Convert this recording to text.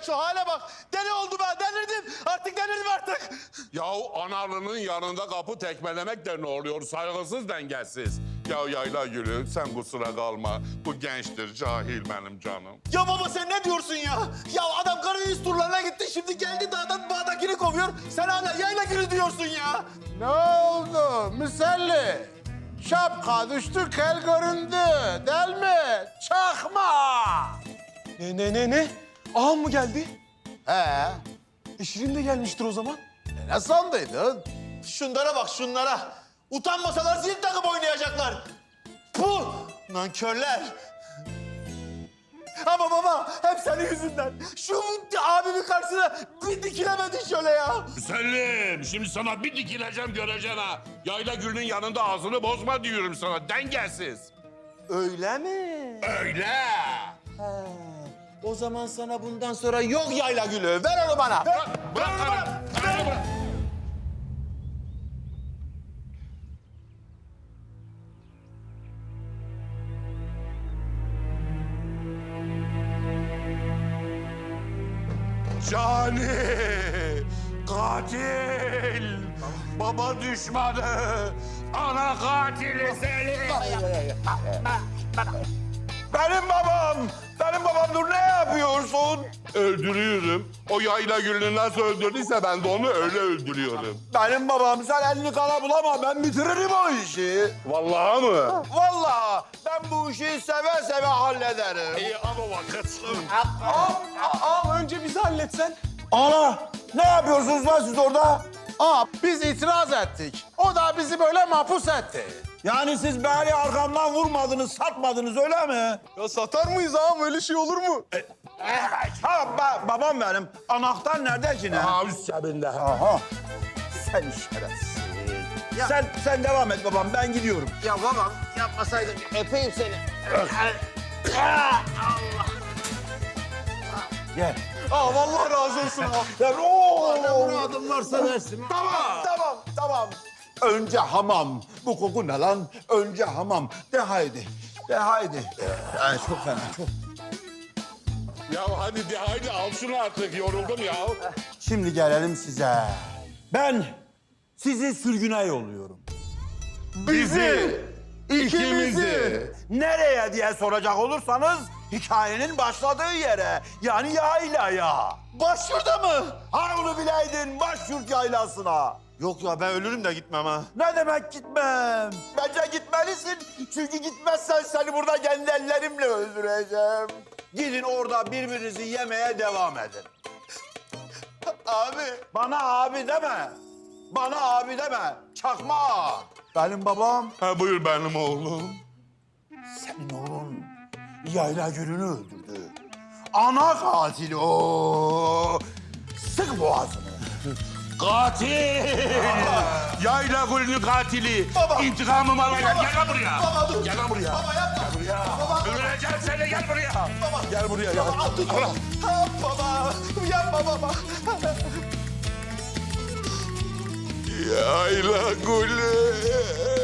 şu hale bak. Deli oldu ben, delirdim. Delirdim artık. Yahu analının yanında kapı tekmelemek de ne oluyor? Saygısız, dengesiz. Ya Yayla Gülü, sen kusura kalma. Bu gençtir, cahil benim canım. Ya baba sen ne diyorsun ya? Ya adam Karadeniz turlarına gitti, şimdi geldi dağdan bağdakini kovuyor. Sen hala Yayla Gülü diyorsun ya. Ne oldu Müselli? Şapka düştü, kel göründü. Değil mi? Çakma! Ne? Ağam mı geldi? He, Şirin de gelmiştir o zaman. ne sandıydın? Şunlara bak şunlara. Utanmasalar zil takıp oynayacaklar. Puh! Nankörler. Ama baba hep senin yüzünden. Şu abimin karşısına bir dikilemedin şöyle ya. Müsellim, şimdi sana bir dikileceğim göreceksin ha. Yayla Gül'ün yanında ağzını bozma diyorum sana, dengesiz. Öyle mi? Öyle. O zaman sana bundan sonra yok Yayla Gülü. Ver onu bana. Bırak karım, karımı bırak. Cani! Katil! Baba düşmanı! Ana katili seni! Benim babam. Benim babam dur ne yapıyorsun? Öldürüyorum. O Yayla Gül'ü nasıl öldürdüyse ben de onu öyle öldürüyorum. Benim babam sen elini kana bulama ben bitiririm o işi. Vallahi mı? Vallahi ben bu işi seve seve hallederim. İyi ama vakit. Ağam önce bizi halletsen. Ana ne yapıyorsunuz lan siz orada? Aa, biz itiraz ettik. O da bizi böyle mahpus etti. Yani siz beni arkamdan vurmadınız, satmadınız öyle mi? Ya satar mıyız ağam? Öyle şey olur mu? Ha babam benim. Anahtar nerede ki ne? Ha üst cebinde. Aha. Sen şerefsiz. Sen devam et babam ben gidiyorum. Ya babam yapmasaydın öpeyim seni. Gel. Aa vallahi razı olsun ağam. Gel. Oo. Muradım varsa versin. Tamam. Önce hamam. Bu koku ne lan? Önce hamam. De haydi. Ay, çok fena çok. Ya hadi al şunu artık, yoruldum ya. Şimdi gelelim size. Ben sizi sürgüne yolluyorum. Bizi, ikimizi. Nereye diye soracak olursanız hikayenin başladığı yere yani yaylaya. Başvurda mı? Ha onu bileydin başyurt yaylasına. Yok ya ben ölürüm de gitmem ha. Ne demek gitmem? Bence gitmelisin. Çünkü gitmezsen seni burada kendi ellerimle öldüreceğim. Gidin orada birbirinizi yemeye devam edin. Abi. Bana abi deme. Çakma ağa. Benim babam. Ha buyur benim oğlum. Senin oğlun Yayla Gül'ünü öldürdü. Ana katili o. Sık boğazını. Katil! Yayla Gül'ün katili. Baba. İntikamımı alacağım. Gel lan buraya. Baba dur. Gel lan buraya. Baba yapma. Gel buraya. Baba. Öldüreceğim seni, gel buraya. Baba. Gel buraya, gel. Baba tut. Ha, baba. Yapma baba. Yayla Gül'ü.